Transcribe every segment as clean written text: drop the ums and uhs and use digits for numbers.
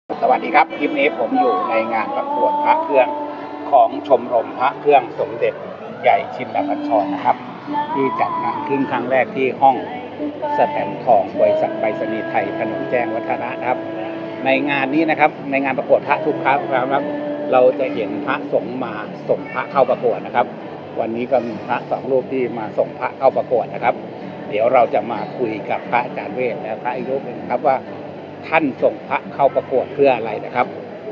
สวัสดีครับคลิปนี้ผมอยู่ในงานประกวดพระเครื่องของชมรมพระเครื่องสมเด็จใหญ่ชินบัญชรนะครับที่จัดงานขึ้นครั้งแรกที่ห้องสแตมป์ทองบริษัทไปรษณีย์ไทยถนนแจ้งวัฒนะครับในงานนี้นะครับในงานประกวดพระทุกครั้งนะครับเราจะเห็นพระสงฆ์มาส่งพระเข้าประกวดนะครับวันนี้ก็มีพระสองรูปที่มาส่งพระเข้าประกวดนะครับเดี๋ยวเราจะมาคุยกับพระอาจารย์เวชและพระอีกรูปหนึ่งครับว่าท่านส่งพระเข้าประกวดเพื่ออะไรนะครับ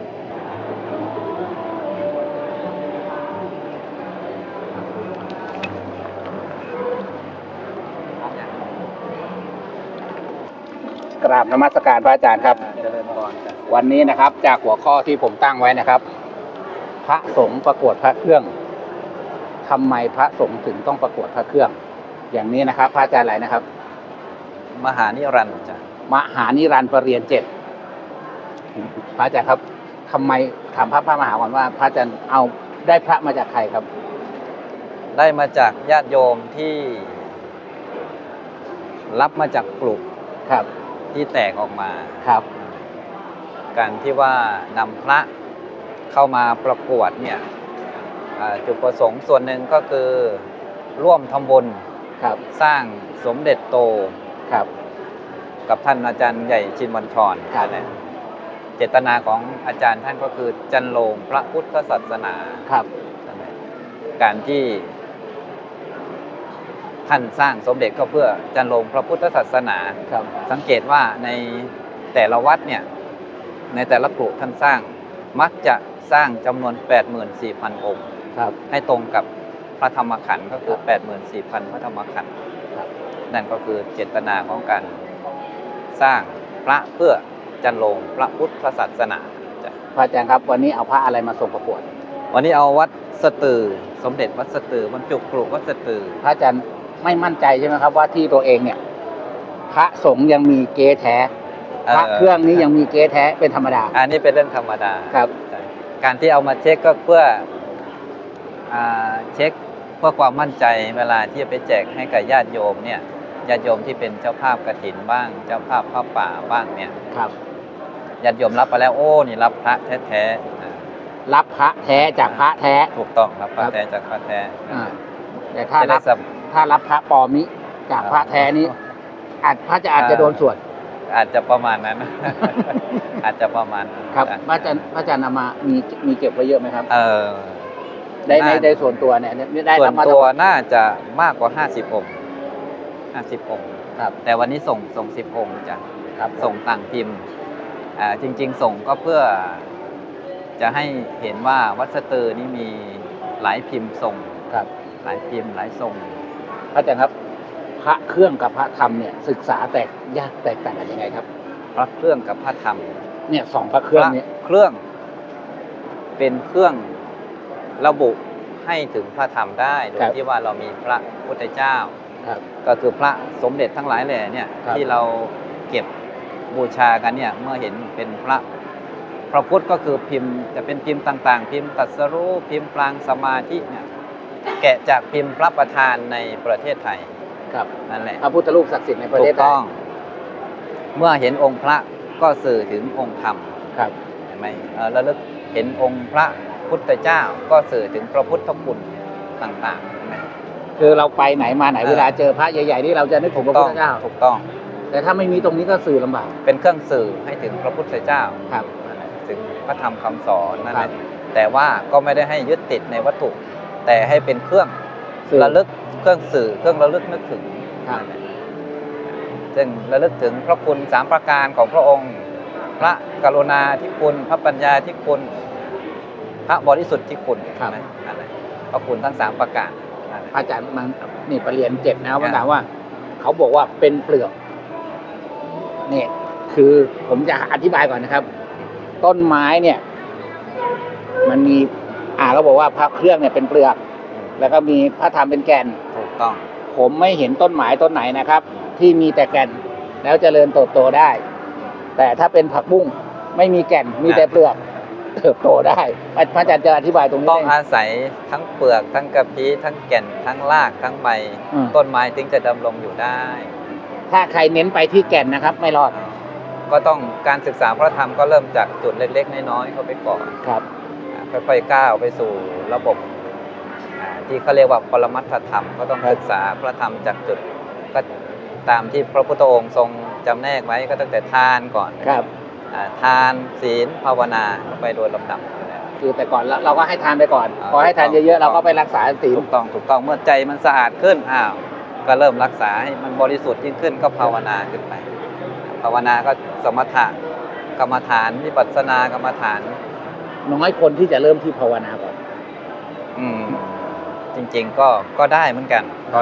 กราบนมัสการพระอาจารย์ครับเจริญพรวันนี้นะครับจากหัวข้อที่ผมตั้งไว้นะครับพระสงฆ์ประกวดพระเครื่องทำไมพระสงฆ์ถึงต้องประกวดพระเครื่องอย่างนี้นะครับพระอาจารย์อะไรนะครับมหานิรันดร์จ้ะมหานิรันดร์ประเรียน7พระอาจารย์ครับทำไมถามพระมหาก่อนว่าพระอาจารย์เอาได้พระมาจากใครครับได้มาจากญาติโยมที่รับมาจากปลุกครับที่แตกออกมาครับการที่ว่านำพระเข้ามาประกวดเนี่ยจุดประสงค์ส่วนหนึ่งก็คือร่วมทำบุญครับสร้างสมเด็จโตครับกับท่านอาจารย์ใหญ่ชินบัญชรเจตนาของอาจารย์ท่านก็คือจันโลงพระพุทธศาสนาครับการที่ท่านสร้างสมเด็จก็เพื่อจันโลงพระพุทธศาสนาสังเกตว่าในแต่ละวัดเนี่ยในแต่ละกลุ่มท่านสร้างมักจะสร้างจำนวน 84,000 องค์ให้ตรงกับพระธรรมขันธ์ก็คือ 84,000 พระธรรมขันธ์นั่นก็คือเจตนาของการสร้างพระเพื่อจันโลงพระพุทธศาสนาพระอาจารย์ครับวันนี้เอาพระอะไรมาส่งประกวดวันนี้เอาวัดสตือสมเด็จวัดสตือบรรจุกรุวัดสตือพระอาจารย์ไม่มั่นใจใช่ไหมครับว่าที่ตัวเองเนี่ยพระสงฆ์ยังมีเก๊แท้พระเครื่องนี้ยังมีเก๊แท้เป็นธรรมดาอันนี้เป็นเรื่องธรรมดาครับการที่เอามาเช็คก็เพื่อเช็คเพื่อความมั่นใจเวลาที่จะไปแจกให้กับญาติโยมเนี่ยญาติโยมที่เป็นเจ้าภาพกฐินบ้างเจ้าภาพพระป่าบ้างเนี่ยครับญาติโยมรับไปแล้วโอ้นี่รับพระแท้ๆรับพระแท้จากพระแท้ถูกต้องรับพระแท้จากพระแท้แต่ถ้ารับพระปลอมนี้จากพระแท้นี้พระอาจจะโดนสวดอาจจะประมาณนั้นอาจจะประมาณครับพระอาจารย์นำมามีเก็บไว้เยอะไหมครับได้ส่วนตัวเนี่ยได้ส่วนตัวน่าจะมากกว่า50 องค์50 องค์ครับแต่วันนี้ส่ง10 องค์จ้ะส่งต่างพิมพ์จริงๆส่งก็เพื่อจะให้เห็นว่าวัดสตือนี้มีหลายพิมพ์ส่งหลายพิมพ์หลายส่งพระอาจารย์ครับพระเครื่องกับพระธรรมเนี่ยศึกษาแตกต่างกันยังไงครับพระเครื่องกับพระธรรมเนี่ย2พระเครื่องเนี่ยเครื่องเป็นเครื่องระบุให้ถึงพระธรรมได้โดยที่ว่าเรามีพระพุทธเจ้าก็คือพระสมเด็จทั้งหลายแหล่เนี่ยที่เราเก็บบูชากันเนี่ยเมื่อเห็นเป็นพระพุทธก็คือพิมพ์จะเป็นพิมพ์ต่างๆพิมพ์ตรัสรู้พิมพ์ปรางสมาธิเนี่ยแกะจากพิมพ์พระประธานในประเทศไทยนั่นแหละพระพุทธรูปศักดิ์สิทธิ์ในประเทศไทยถูกต้องเมื่อเห็นองค์พระก็สื่อถึงองค์ธรรมเห็นไหมระลึกเห็นองค์พระพุทธเจ้าก็สื่อถึงพระพุทธคุณต่างๆคือเราไปไหนมาไหนเวลาเจอพระใหญ่ๆนี่เราจะนึกถึงพระพุทธเจ้าถูกต้องแต่ถ้าไม่มีตรงนี้ก็สื่อลำบากเป็นเครื่องสื่อให้ถึงพระพุทธเจ้าถึงพระธรรมคำสอนนั่นแหละแต่ว่าก็ไม่ได้ให้ยึดติดในวัตถุแต่ให้เป็นเครื่องระลึกเครื่องสื่อเครื่องระลึกนึกถึงซึ่งระลึกถึงพระคุณ3 ประการของพระองค์พระกรุณาธิคุณพระปัญญาธิคุณพระบริสุทธิ์ธิคุณพระคุณทั้ง3 ประการอาจารย์มันนี่ประเรียน7นะว่าถามว่าเขาบอกว่าเป็นเปลือกนี่คือผมจะอธิบายก่อนนะครับต้นไม้เนี่ยมันมีเขาบอกว่าพระเครื่องเนี่ยเป็นเปลือกแล้วก็มีพระธรรมเป็นแก่นถูกต้องผมไม่เห็นต้นไม้ต้นไหนนะครับที่มีแต่แก่นแล้วเจริญเติบโตได้แต่ถ้าเป็นผักบุ้งไม่มีแก่นมีแต่เปลือกเติบโตได้พระอาจารย์จะอธิบายตรงนี้ต้องอาศัยทั้งเปลือกทั้งกระพี้ทั้งแก่นทั้งรากทั้งใบต้นไม้ถึงจะดำรงอยู่ได้ถ้าใครเน้นไปที่แก่นนะครับไม่รอดก็ต้องการศึกษาพระธรรมก็เริ่มจากจุดเล็กๆน้อยๆเข้าไปก่อนครับค่อยๆก้าวไปสู่ระบบที่เขาเรียกว่าปรมัตถธรรมก็ต้องศึกษาพระธรรมจากจุดก็ตามที่พระพุทธองค์ทรงจำแนกไว้ก็ตั้งแต่ทานก่อนครับทานศีลภาวนาไปโดยลำดับคือแต่ก่อนเราก็ให้ทานไปก่อนอ่าพอให้ทานเยอะๆเราก็ไปรักษาศีลถูกต้องเมื่อใจมันสะอาดขึ้นก็เริ่มรักษาให้มันบริสุทธิ์ยิ่งขึ้นก็ภาวนาขึ้นไป ภาวนาก็สมถะกรรมฐานวิปัสสนากรรมฐานน้อยคนที่จะเริ่มที่ภาวนาก่อนจริงๆก็ได้เหมือนกัน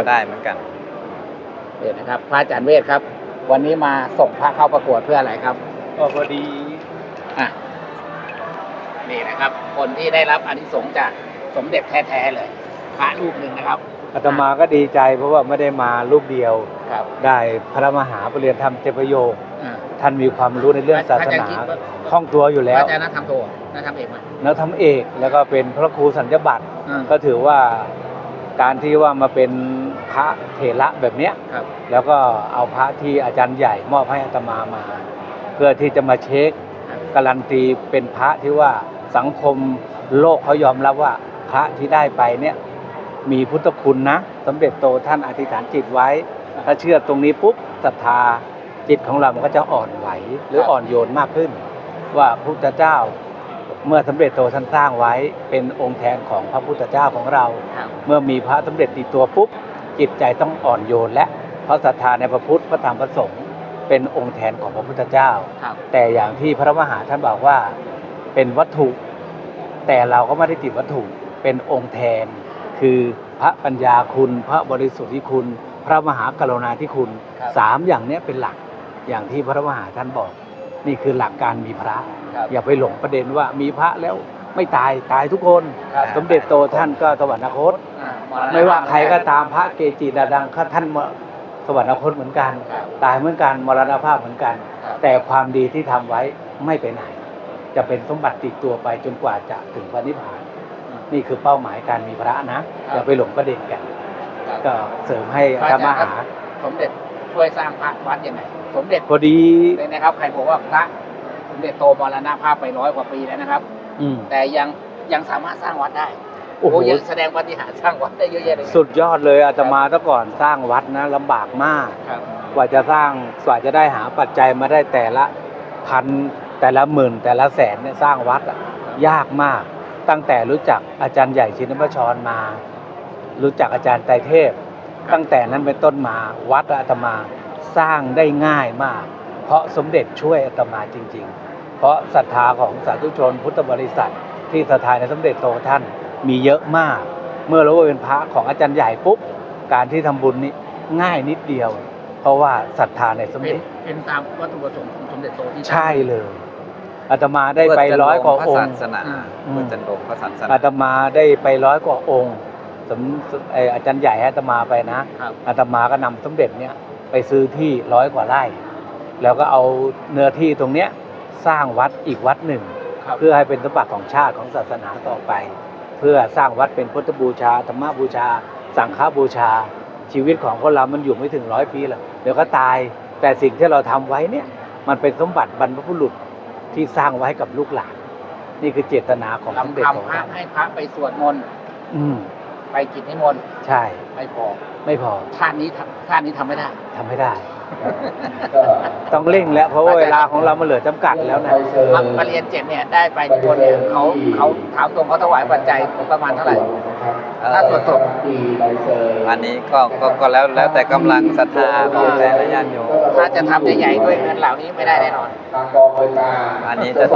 เดี๋ยวนะครับพระอาจารย์เวทครับ วันนี้มาส่งพระเข้าประกวดเพื่ออะไรครับก็พอดีอ่ะนี่นะครับ คนที่ได้รับอานิสงส์จากสมเด็จแท้ๆเลย พระรูปหนึ่งนะครับอาตมาก็ดีใจเพราะว่าไม่ได้มารูปเดียวครับได้พระมหาปรริยนธรรมเจประโยคอ่าท่านมีความรู้ในเรื่องศาสนาคล่องตัวอยู่พแล้ระวอาจารย์นักธรรมโทนักธรรมเอกไหมนักธรรมเอกแล้วก็เป็นพระครูสัญญบัตรอ่าก็ถือว่าการที่ว่ามาเป็นพระเถระแบบเนี้ยครับแล้วก็เอาพระที่อาจารย์ใหญ่มอบให้อาตมามา เพื่อที่จะมาเช็คการันตีเป็นพระที่ว่าสังคมโลกเขายอมรับว่าพระที่ได้ไปเนี่ยมีพุทธคุณนะสมเด็จโตท่านอธิษฐานจิตไว้ ถ้าเชื่อตรงนี้ปุ๊บศรัทธาจิตของเรามันก็จะอ่อนไหวหรืออ่อนโยนมากขึ้น ว่าพระพุทธเจ้า เมื่อสมเด็จโตท่านสร้างไว้เป็นองค์แทนของพระพุทธเจ้าของเราครับเมื่อมีพระสมเด็จติดตัวปุ๊บจิตใจต้องอ่อนโยนและเพราะศรัทธาในพระพุทธพระธรรมพระสงฆ์เป็นองค์แทนของพระพุทธเจ้าครับแต่อย่างที่พระมหาท่านบอกว่าเป็นวัตถุ แต่เราก็ไม่ได้ติดวัตถุเป็นองค์แทน คือพระปัญญาคุณ พระบริสุทธิคุณ พระมหากรุณาธิคุณครับสามอย่างเนี้ยเป็นหลักอย่างที่พระมหาท่านบอก นี่คือหลักการมีพระครับอย่าไปหลงประเด็นว่ามีพระแล้วไม่ตายทุกคนครับสมเด็จโตท่านก็สวรรคตอ่ไม่ว่าใครก็ตามพระเกจิดังๆท่านสวรรคตเหมือนกันครับตายเหมือนกันมรณภาพเหมือนกันครับแต่ความดีที่ทำไว้ไม่ไปไหน จะเป็นสมบัติติดตัวไปจนกว่าจะถึงพระนิพพาน นี่คือเป้าหมายการมีพระนะอย่าไปหลงประเด็นกันครับก็เสริมให้พระธรอาร จารย์มหาครับสมเด็จช่วยสร้างพระวัดยังไงสมเด็จพอดีเลยนะครับ ใครบอกว่าพระสมเด็จโตมรณภาพไป100 กว่าปีแล้วนะครับอืมแต่ยังสามารถสร้างวัดได้โอ้โหยังแสดงปาฏิหาริย์สร้างวัดได้เยอะแยะเลยสุดยอดเลยอาตมาแต่ก่อนสร้างวัดนะลำบากมากครับกว่าจะได้หาปัจจัยมาได้แต่ละพันแต่ละหมื่นแต่ละแสนเนี่ยสร้างวัดอะยากมาก ตั้งแต่รู้จักอาจารย์ใหญ่ชินบัญชรมา รู้จักอาจารย์ไตรเทพ ตั้งแต่นั้นเป็นต้นมาวัดอาตมาสร้างได้ง่ายมาก เพราะสมเด็จช่วยอาตมาจริง ๆ เพราะศรัทธาของสาธุชนพุทธบริษัทที่ศรัทธาในสมเด็จโตท่านมีเยอะมาก เมื่อรู้ว่าเป็นพระของอาจารย์ใหญ่ปุ๊บการที่ทำบุญนี่ง่ายนิดเดียว เพราะว่าศรัทธาในสมเป็นเด็จเป็นตามวัตถุประสงค์ของสมเด็จโตที่ใช่เลยอาตมาได้ไป100 กว่าองค์พระศาสนาเพื่อจันทงพระศาสนาอาตมาได้ไป100 กว่าองค์อาจารย์ใหญ่ให้อาตมาไปนะครับ อาตมาก็นำสมเด็จเนี่ยไปซื้อที่100 กว่าไร่ แล้วก็เอาเนื้อที่ตรงเนี้ยสร้างวัดอีกวัดหนึ่งครับเพื่อให้เป็นสมบัติของชาติของศาสนาต่อไป เพื่อสร้างวัดเป็นพุทธบูชาธรรมบูชา สังฆบูชา ชีวิตของคนเรามันอยู่ไม่ถึง100 ปีหรอกเดี๋ยวก็ตายแต่สิ่งที่เราทำไว้เนี่ยมันเป็นสมบัติบรรพบุรุษที่สร้างไว้ให้กับลูกหลาน นี่คือเจตนาของสมเด็จทำของพระเราให้พระไปสวดมนต์อืมไปกิจนิมนต์ใช่ไม่พอไม่พอชาตินี้ทำไม่ได้ทำไม่ได้ ต้องเร่งแล้วเพราะว่าเวลาของเรามันเหลือจำกัดแล้วนะมาเรียน7เนี่ยได้ไปนิมนต์เนี่ยเขาถามตรงเขาถวายปัจจัยประมาณเท่าไหร่ถ้าสวดศพอันนี้ก็แล้วแต่กำลังศรัทธาของแต่ละญาติโยมถ้าจะทำใหญ่ๆด้วยเงินเหล่านี้ไม่ได้แน่นอนอันนี้จะต้อง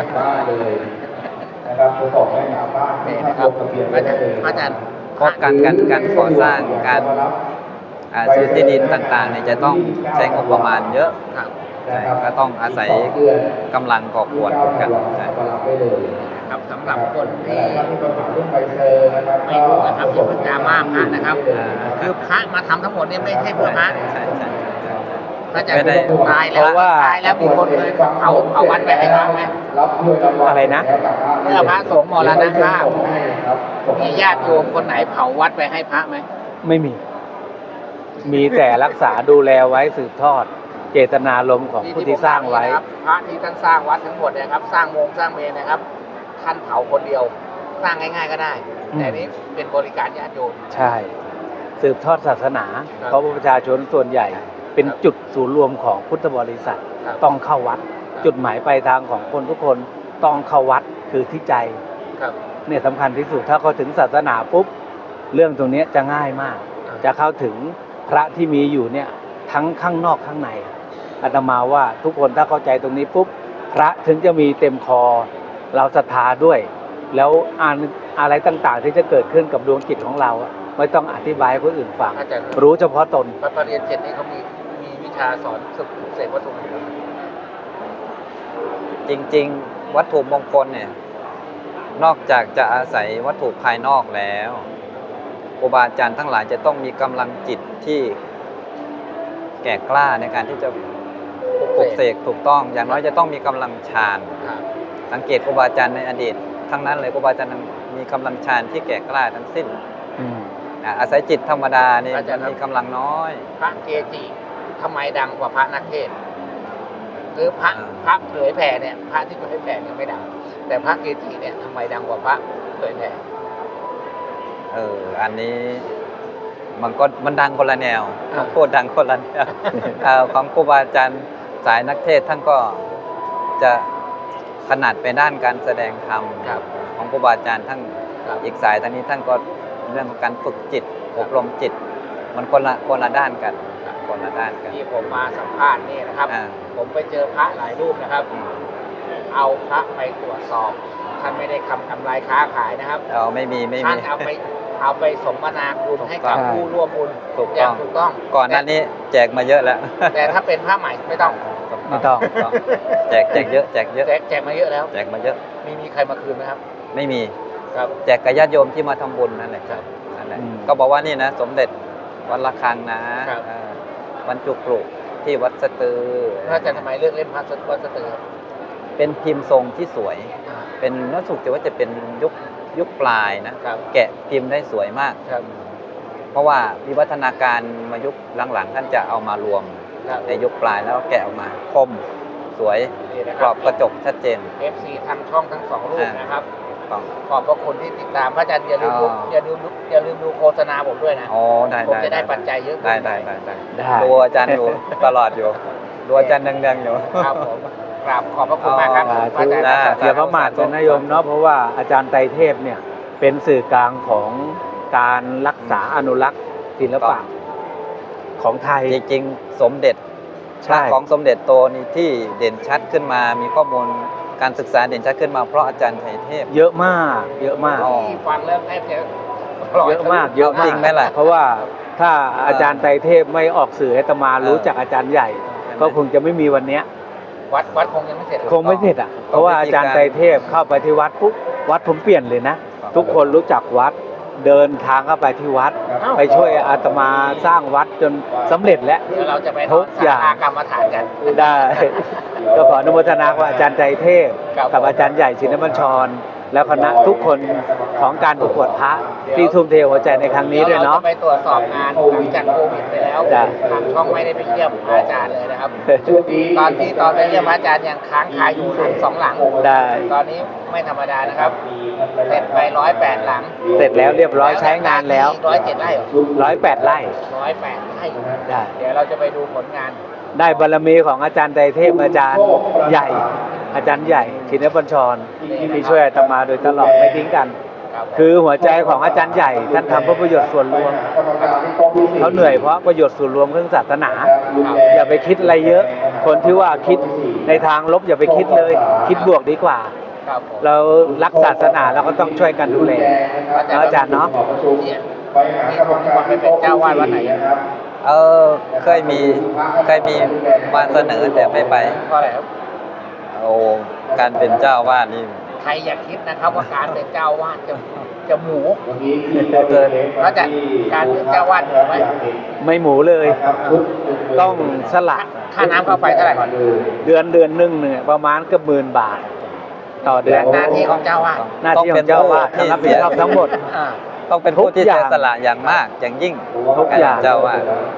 นะครับจะส่งให้ชาวบ้านนี่นะครับอาจารย์เพราะการก่อสร้างการซื้อที่ดินต่างๆเนี่ยจะต้องใช้งบประมาณเยอะครับใช่ก็ต้องอาศัยกำลังก่อขวดเหมือนกันใช่ครับสำหรับคนที่ที่ปัญหาเรื่องใบเซอร์นะครับไม่รู้นะครับอย่าเพิ่งดราม่าพระนะครับ คือพระมาทำทั้งหมดเนี่ยไม่ใช่เพื่อพระใช่ใช่ใช่ใช่พระอาจารไม่ย์ได้ตายแล้วตายแล้วมีคนเคยเอาวัดไปให้พระไหมรับด้วยรางวัลอะไรนะเมื่อพระสงฆ์มรณภาพมีญาติโยมคนไหนเผาวัดไปให้พระไหมไม่มี มีแต่รักษาดูแลไว้สืบทอดเจตนารมณ์ของผู้ที่สร้างไว้นะครับพระที่ท่านสร้างวัดทั้งหมดเนะครับ สร้างโมงสร้างเมนนะครับ ท่านเผาคนเดียว สร้างง่ายๆก็ได้อืมแต่นี้เป็นบริการญาติโยมใช่ สืบทอดศาสนาครับเพราะว่าประชาชนส่วนใหญ่ เป็นจุดศูนย์รวมของพุทธบริษัทครับต้องเข้าวัด จุดหมายปลายทางของคนทุกคนต้องเข้าวัดคือที่ใจครับเนี่ยสำคัญที่สุดถ้าเขาถึงศาสนาปุ๊บเรื่องตรงเนี้ยจะง่ายมากครับจะเข้าถึงพระที่มีอยู่เนี่ยทั้งข้างนอกข้างในอาตมาว่าทุกคนถ้าเข้าใจตรงนี้ปุ๊บพระถึงจะมีเต็มคอเราศรัทธาด้วย แล้วอะไรต่างๆ ที่จะเกิดขึ้นกับดวงจิตของเราอะไม่ต้องอธิบายให้คนอื่นฟังอาจารย์รู้เฉพาะตนพระเรียนเจ็ดนี่เขามีวิชาสอนสึกเสกวัตถุมงคลจริงๆ วัตถุมงคลเนี่ย นอกจากจะอาศัยวัตถุภายนอกแล้วครูบาอาจารย์ทั้งหลายจะต้องมีกำลังจิตที่แก่กล้าในการที่จะปลุกเสกถูกต้อง อย่างน้อยจะต้องมีกำลังฌานครับสังเกตครูบาอาจารย์ในอดีตทั้งนั้นเลยครูบาอาจารย์มีกำลังฌานที่แก่กล้าทั้งสิ้น อาศัยจิตธรรมดานี่อาจารย์มันมีกำลังน้อยพระเกจิทำไมดังกว่าพระนักเทศน์หรือพระอ่าพระเผยแผ่เนี่ยพระที่เผยแผ่เนี่ยไม่ดัง แต่พระเกจิเนี่ยทำไมดังกว่าพระเผยแผ่อันนี้มันดังคนละแนวอ่าพูดดังคนละแนว ของครูบาอาจารย์สายนักเทศน์ท่านก็จะถนัดไปด้านการแสดงธรรมครับของครูบาอาจารย์ท่านครับอีกสายทางนี้ท่านก็เรื่องของการฝึกจิตอบรมจิต มันคนละด้านกันคนละด้านกันที่ผมมาสัมภาษณ์นี่นะครับอ่าผมไปเจอพระหลายรูปนะครับอืมเอาพระไปตรวจสอบท่านไม่ได้ทำลายค้าขายนะครับไม่มีท่านเอาไปสมนาคุณให้กับใช่ผู้ร่วมบุญถูกอย่าต้องงถูกต้องก่อนหน้านี้แจกมาเยอะแล้วแต่ถ้าเป็นพระใหม่ไม่ต้องไม่ต้องแจกเยอะแจกเยอะแจกมาเยอะแล้วแจกมาเยอะมีใครมาคืนไหมครับไม่มีครับแจกกับญาติโยมที่มาทำบุญนั่นแหละครับนั่นแหละอืมก็บอกว่านี่นะสมเด็จวัดระฆังนะครับ บรรจุกรุที่วัดสตือพระอาจารย์ทำไมเลือกเล่นพระวัดสตือครับเป็นพิมพ์ทรงที่สวย เป็นรู้สึกว่าจะเป็นยุคปลายนะครับแกะพิมพ์ได้สวยมากครับเพราะว่าวิวัฒนาการมายุคหลังๆท่านจะเอามารวมครับในยุคปลายแล้วแกะออกมาคมสวยนี่นะกรอบกระจกชัดเจน FC ทางช่องทั้งสองรูปนะครับต้องขอบพระคุณที่ติดตามพระอาจารย์อย่าลืมดูอ๋ออย่าลืมดูโฆษณาผมด้วยนะอ๋อได้ผมจะได้ปัจจัยเยอะขึ้นได้ได้ดูอาจารย์อยู่ตลอดอยู่ดูอาจารย์ดังๆอยู่ครับผมกราบขอบพระคุณมากครับอ๋อพระอาจารย์ได้ครับเดี๋ยวพระมหาชนโยมเนาะเพราะว่าอาจารย์ไตรเทพเนี่ยเป็นสื่อกลางของการรักษาอนุรักษ์ศิลปะของไทยจริงๆสมเด็จใช่พระของสมเด็จโตนี่ที่เด่นชัดขึ้นมา มีข้อมูลการศึกษาเด่นชัดขึ้นมาเพราะอาจารย์ไตรเทพเยอะมากเยอะมากอ๋อที่ฟังแล้วแทบจะเยอะมากเยอะมากจริงไหมล่ะเพราะว่าถ้าอาจารย์ไตรเทพไม่ออกสื่อให้อาตมารู้จักอาจารย์ใหญ่ ก็คงจะไม่มีวันเนี้ยวัดคงยังไม่เสร็จหรอกคงไม่เสร็จอ่ะเพราะว่าอาจารย์ไตรเทพเข้าไปที่วัดปุ๊บวัดผมเปลี่ยนเลยนะ ทุกคนรู้จักวัดเดินทางเข้าไปที่วัด ไปช่วยอาตมาสร้างวัดจนสำเร็จแล้วเดี๋ยวเราจะไปทุกอย่างกรรมฐานกันได้ ก็ขออนุโมทนากับอาจารย์ไตรเทพ กับอาจารย์ใหญ่ชินบัญชร แล้วคณะทุกคนของการประกวดพระที่ทุ่มเทหัวใจในครั้งนี้ด้วยเนาะดี๋รจะไปตรวจสอบงานหลังจากโควิดไปแล้วจ้ะทางช่องไม่ได้ไปเยี่ยมอาจารย์เลยนะครับชุดนี้ตอนไปเยี่ยมอาจารย์ยังค้างคาอยู่หลัง2 หลังได้ตอนนี้ไม่ธรรมดานะครับ เสร็จไป108 หลังเสร็จแล้วเรียบร้อยใช้งานแล้ว 107 ไร่เหรอ 108 ไร่ 108 ไร่ได้เดี๋ยวเราจะไปดูผลงานได้บารมีของอาจารย์ไตรเทพอาจารย์ใหญ่ อาจารย์ใหญ่ชินบัญชรที่ช่วยอาตมาโดยตลอดไม่ทิ้งกันครับคือหัวใจของอาจารย์ใหญ่ท่านทำเพื่อประโยชน์ส่วนรวมเขาเหนื่อยเพราะประโยชน์ส่วนรวมเรื่องศาสนา อย่าไปคิดอะไรเยอะ คนที่ว่าคิดในทางลบอย่าไปคิดเลย คิดบวกดีกว่าครับผมเรารักศาสนาเราก็ต้องช่วยกันดูแลเนาะอาจารย์เนาะเนี่ยนี่ผมที่วันไปเป็นเจ้าวาดวัดไหนอะเคยมีมาเสนอแต่ไม่ไปเพราะอะไรครับโอ้การเป็นเจ้าวาดนี่ใครอย่าคิดนะครับว่าการเป็นเจ้าวาดจะหมูเกินแล้วจะการเป็นเจ้าวาดหมูไหมไม่หมูเลย ต้องสละค่าน้ำค่าไฟเท่าไหร่ก่อนเดือนหนึ่งเนี่ยประมาณเกือบ10,000 บาท ต่อเดือนหน้าที่ของเจ้าวาดหน้าที่ของเจ้าวาดที่รับผิดชอบทั้งหมดอ่าต้องเป็นผู้ที่ทุกอย่างเสียสละอย่างมากอย่างยิ่งทุกอย่างเจ้าวาดต้อง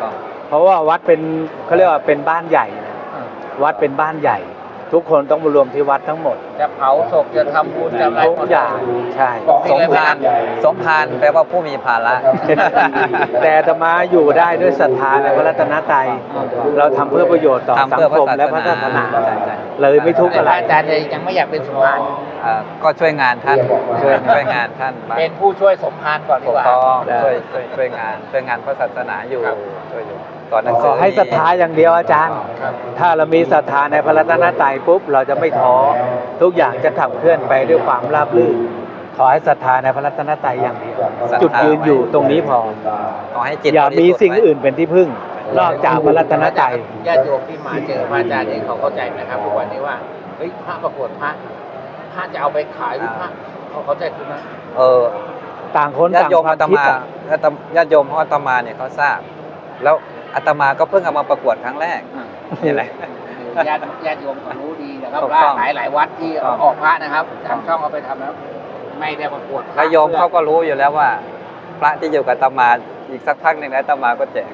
เพราะว่าวัดเป็นเขาเรียกว่าเป็นบ้านใหญ่นะวัดเป็นบ้านใหญ่ ทุกคนต้องมารวมที่วัดทั้งหมดจะเผาศพจะทำบุญจะอะไรทุกอย่างใช่สมภารสมภารแปลว่าผู้มีภาระแต่อาตมาอยู่ได้ด้วยศรัทธาในพระรัตนตรัยเราทำเพื่อประโยชน์ต่อทำสังเพื่อพคระมและพระศาสนาใช่ใช่เลยไม่ทุกข์อะไรอาจารย์เลยยังไม่อยากเป็นสมภารก็ช่วยงานท่านช่วยงานท่านบ้างเป็นผู้ช่วยสมภารก่อนดีถูกกว่าต้องได้ช่วยงานพระศาสนาอยู่ครับช่วยอยู่สอนหนังขสืออให้ศรัทธาอย่างเดียวอาจารย์ครับถ้าเรามีศรัทธาในพระรัตนตรัยปุ๊บเราจะไม่ท้อทุกอย่างจะขับเคลื่อนไปด้วยความราบรื่นขอให้ศรัทธาในพระรัตนตรัยอย่างเดียว จุดยืนอยู่ตรงนี้พอขอให้จิตอย่ามีบริสุทธิ์สิ่งไว้อื่นเป็นที่พึ่ง นอกจากพระรัตนตรัยญาติโยมที่มาเจอพระอาจารย์นี่เขาเข้าใจไหมครับทุกวันนี้ว่าเฮ้ยพระประกวดพระจะเอาไปขายหรือพระเขาเข้าใจคุณไหมต่างคนญาต่าติงโยมควาอาม ตคิดมาอะญาติโยมของอาตมาเนี่ยเขาทราบ แล้วอาตมาก็เพิ่งเอามาประกวดครั้งแรกนี่แหละญาติโยมเขารู้ดีนะครับถูกว่าต้องหลายวัดที่ออกพระนะครับทางช่องเอาไปทำแล้วไม่ได้ประกวดพระแล้วโยมเขาก็รู้อยู่แล้วว่า พระที่อยู่กับอาตมาอีกสักพักหนึ่งอาตมาก็แจก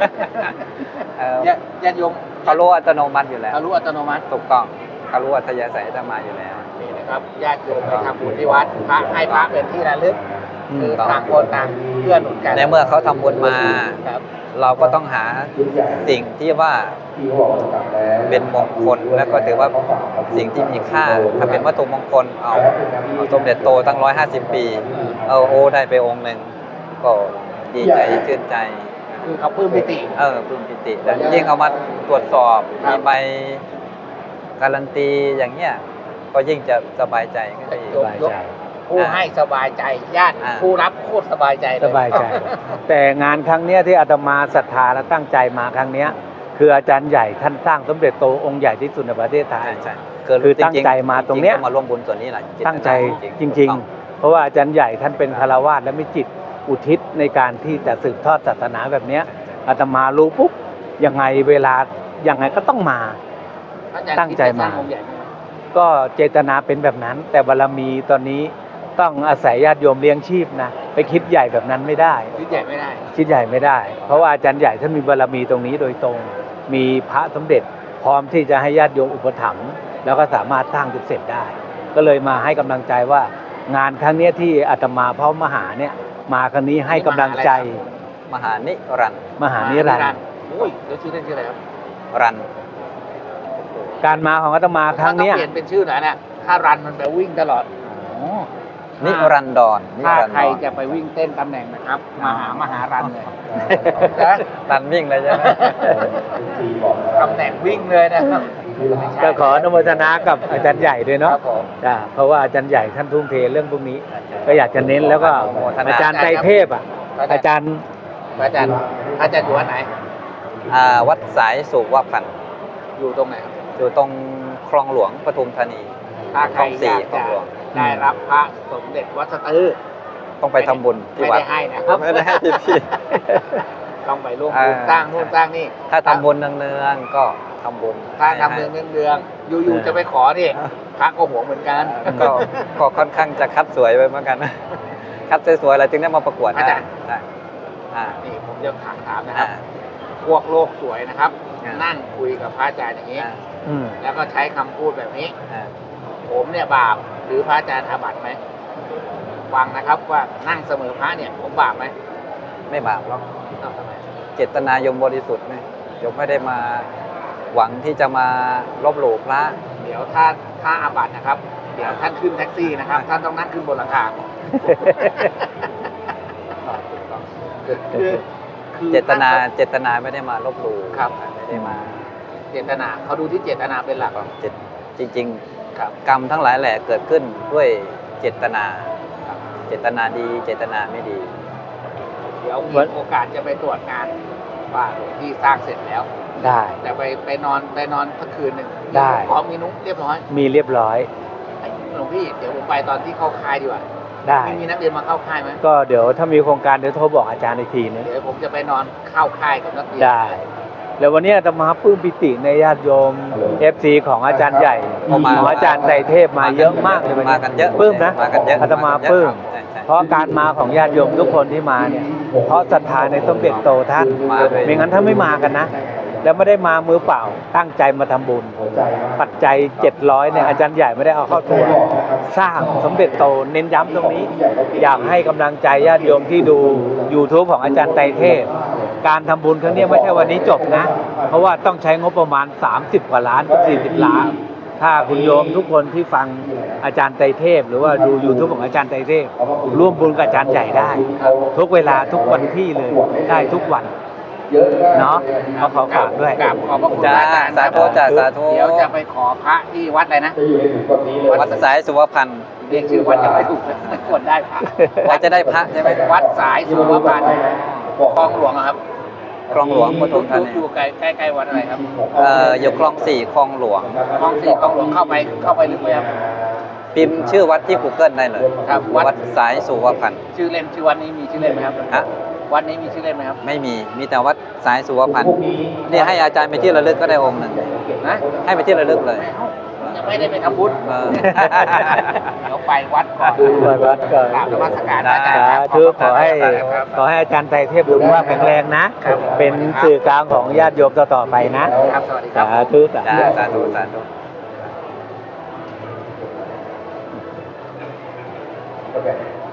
ญาติโยมเขารู้อัตโนมัติอยู่แล้วเขารู้อัตโนมัติถูกต้องเขารู้อัธยาศัยอาตมาอยู่แล้วนี่นะครับญาติโยมไปทำบุญที่วัดพระให้พระเป็นที่ระลึกอืมคือต่างคนต่างเพื่อหนุนกันในเมื่อเขาทำบุญมาครับเราก็ต้องหาสิ่งที่ว่าเป็นมงคลแล้วก็ถือว่าสิ่งที่มีค่า ถ้าเป็นวัตถุมงคลเอาสมเด็จโตตั้ง150 ปีโอ้ได้ไปองค์หนึ่งก็ดีใจชื่นใจคือเขาปลื้มปิติปลื้มปิติแล้วยิ่งเอามาตรวจสอบครับมีใบการันตีอย่างเงี้ยก็ยิ่งจะสบายใจขึ้นไปอีกสบายใจผู้ให้สบายใจญาติอ่าผู้รับโคตรสบายใจเลสบายใจ แต่งานครั้งเนี้ยที่อาตมาศรัทธาและตั้งใจมาครั้งเนี้ย คืออาจารย์ใหญ่ท่านสร้างสมเด็จโตองค์ใหญ่ที่สุดในประเทศไทยใช่คือตั้งใจมาตรงเนี้ยก็มาร่วมบุญส่วนนี้แหละตั้งใจจริง ๆ เพราะว่าอาจารย์ใหญ่ท่านเป็นคารวาสและมีจิตอุทิศในการที่จะสืบทอดศาสนาแบบเนี้ยอาตมารู้ปุ๊บยังไงเวลายังไงก็ต้องมาอาจารย์ตั้งใจมาคิดจะสร้องค์ใหญ่ไหมก็เจตนาเป็นแบบนั้น แต่บารมีตอนนี้ต้องอาศัยญาติโยมเลี้ยงชีพนะไปคิดใหญ่แบบนั้นไม่ได้คิดใหญ่ไม่ได้คิดใหญ่ไม่ได้ เพราะว่าอาจารย์ใหญ่ท่านมีบารมีตรงนี้โดยตรง มีพระสมเด็จ พร้อมที่จะให้ญาติโยมอุปถัมภ์แล้วก็สามารถสร้างจนเสร็จได้ ก็เลยมาให้กำลังใจว่างานครั้งเนี้ยที่อาตมาพร้อมมหาเนี่ยมาครั้งนี้ให้กำลังใจมหานิรันดร์มหานิรันดร์โอ้ยแล้วชื่อเล่นชื่ออะไรครับรันการมาของอาตมาครั้งเนี้ยถ้าเปลี่ยนเป็นชื่อหน่อยนะถ้ารันมันแปลวิ่งตลอดนิรันดรนิถ้ารันดใครรจะไปวิ่งเต้นตำแหน่งนะครับมหารันเลยนะรันวิ่งเลยใช่ไหมตำแหน่งวิ่งเลยนะครับก็ขออนุโมทนากับอาจารย์ใหญ่ด้วยคเนาะรับผมจ้ะเพราะว่าอาจารย์ใหญ่ท่านทุ่มเทเรื่องพวกนี้ ก็อยากจะเน้นแล้วก็อาจารย์ไตรเทพอ่ะอาจารย์อาจารย์อยู่วัดไหนวัดสายสุวพันธ์อยู่ตรงไหนครับอยู่ตรงคลองหลวงปทุมธานีถ้าใครคลองสี่อยากคลอจะงหลวงได้รับพระสมเด็จวัดสะตือต้องไปทำบุญที่ไม่วัดได้ให้นะครับไม่ได้ให้พี่ต้องไปร่วมบุญสร้างนู่นสร้างนี่ถ้าทำบุญเนืองๆก็ทำบุญถ้าทำเนืองอยู่ๆจะไปขอนี่พระก็หวงเหมือนกันก็ค่อนข้างจะคัดสวยไปเหมือนกันนะคัดสวยๆอะไรถึงได้มาประกวดอาได้จารย์ได้อ่านี่ผมจะถามนะครับอ่าพวกโลกสวยนะครับอ่านั่งคุยกับพระอาจารย์อย่างนี้อ่าอืมแล้วก็ใช้คำพูดแบบนี้อ่าผมเนี่ยบาปหรือพระอาจารย์อาบัติไหมฟังนะครับว่านั่งเสมอพระเนี่ยผมบาปไหมไม่บาปหรอกเอ้าทำไมเจตนายมบริสุทธิ์ไหมยมไม่ได้มาหวังที่จะมาลบหลู่พระเดี๋ยวถ้าอาบัตินะครับ เดี๋ยวท่านขึ้นแท็กซี่นะครับ ท่านต้องนั่งขึ้นบนหลังคาคือเจตนาไม่ได้มาลบหลู่ครับไม่ได้มาเจตนาเขาดูที่เจตนาเป็นหลักจริงครับๆ กรรมทั้งหลายแหละเกิดขึ้นด้วยเจตนาเจตนาดี เจตนาไม่ดีเดี๋ยวมีโอกาสจะไปตรวจงานว่าหลวงพี่สร้างเสร็จแล้วได้แต่ไปนอนสักคืนหนึ่งได้พร้อมมีนุ๊กเรียบร้อยมีเรียบร้อยหลวงพี่เดี๋ยวผมไปตอนที่เข้าค่ายดีกว่าได้ไม่มีนักเรียนมาเข้าค่ายไหมก็เดี๋ยวถ้ามีโครงการเดี๋ยวโทรบอกอาจารย์อีกทีนึงเดี๋ยวผมจะไปนอนเข้าค่ายกับนักเรียนได้ แล้ววันนี้อาตมาปลื้มปิติในญาติโยม FC ของอาจารย์ใหญ่เข้ามาของอาจารย์ไตรเทพมาเยอะมากเลยวันนี้มากันเยอะปลื้มนะมากันเยอะอาตมาปลื้มใช่เพราะการมาของญาติโยมทุกคนที่มาเนี่ยเพราะศรัทธาในสมเด็จโตท่านมาเลยไม่งั้นถ้าไม่มากันนะ แล้วไม่ได้มามือเปล่าตั้งใจมาทำบุญ ปัจจัย700เนี่ยอาจารย์ใหญ่ไม่ได้เอาเข้าตัว สร้างสมเด็จโตเน้นย้ำตรงนี้ อยากให้กำลังใจญาติโยมที่ดู YouTube ของอาจารย์ไตรเทพ การทำบุญครั้งนี้ไม่ใช่วันนี้จบนะ เพราะว่าต้องใช้งบประมาณ30 กว่าล้านถึง40 ล้าน ถ้าคุณโยมทุกคนที่ฟังอาจารย์ไตรเทพ หรือว่าดู YouTube ของอาจารย์ไตรเทพ ร่วมบุญกับอาจารย์ใหญ่ได้ ทุกเวลาทุกวันที่เลยได้ทุกวัน เนาะขอฝากด้วยกราบขอบพระคุณจ้าอาจารย์สาธุจ้าสาธุเดี๋ยวจะไปขอพระที่วัดอะไรนะจะอยู่ในถุงแบบนี้เลยวัดสายสุวพันธ์เรียกชื่อวัดยังไม่ถูกเลยไม่ควรได้พระว่าจะได้พระใช่ไหมวัดสายสุวพันธ์คลองหลวงอะครับคลองหลวงปทุมธานีอยู่ใกล้วัดอะไรครับอยู่คลอง4คลองหลวงคลองสี่คลองหลวงเข้าไปลึกไหมครับพิมพ์ชื่อวัดที่ Google ได้เลยครับวัดวัดสายสุวพันธ์ชื่อเล่นชื่อวัดนี้มีชื่อเล่นไหมครับฮะวัดนี้มีชื่อเล่นไหมครับไม่มีแต่วัดสายสุวพันธ์นี่ให้อาจารย์ไปที่ระลึกก็ได้องค์หนึ่งนะให้ไปที่ระลึกเลยยังไม่ได้ไปทำบุญเออเดี๋ยวไปวัดก่อนไปวัดก่อนกราบนมัสการอาจารย์สาครับธุขอให้ครับขอให้อาจารย์ไตรเทพสุขภาพแข็งแรงนะ เป็นสื่อกลางของญาติโยมต่อๆไปนะครับสวัสดีครับสาธุสาจ้าธุสาธุสาธุ Okay.